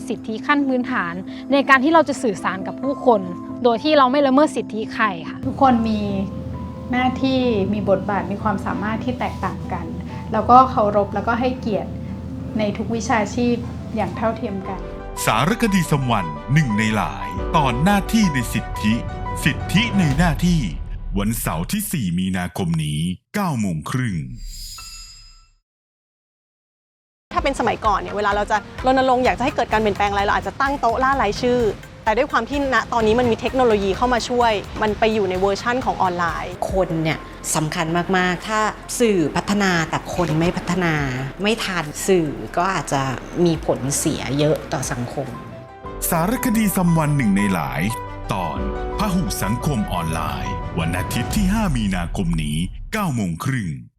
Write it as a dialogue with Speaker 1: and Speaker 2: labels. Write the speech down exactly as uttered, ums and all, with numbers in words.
Speaker 1: สิทธิขั้นพื้นฐานในการที่เราจะสื่อสารกับผู้คนโดยที่เราไม่ละเมิดสิทธิใครค่ะ
Speaker 2: ทุกคนมีหน้าที่มีบทบาทมีความสามารถที่แตกต่างกันแล้วก็เคารพแล้วก็ให้เกียรติในทุกวิชาชีพอย่างเท่าเทียมกัน
Speaker 3: สารคดีสัมวันหนึ่งในหลายตอนหน้าที่ในสิทธิ สิทธิในหน้าที่วันเสาร์ที่สี่มีนาคมนี้เก้าโมงครึ่ง
Speaker 4: ถ้าเป็นสมัยก่อนเนี่ยเวลาเราจะรณรงค์อยากจะให้เกิดการเปลี่ยนแปลงอะไรเราอาจจะตั้งโต๊ะล่ารายชื่อแต่ด้วยความที่ณตอนนี้มันมีเทคโนโลยีเข้ามาช่วยมันไปอยู่ในเวอร์ชั่นของออนไลน์
Speaker 5: คนเนี่ยสำคัญมากๆถ้าสื่อพัฒนาแต่คนไม่พัฒนาไม่ทันสื่อก็อาจจะมีผลเสียเยอะต่อสังคม
Speaker 3: สารคดีสัมวันหนึ่งในหลายตอนพหุสังคมออนไลน์วันอาทิตย์ที่ห้ามีนาคมนี้เก้าโมงครึ่ง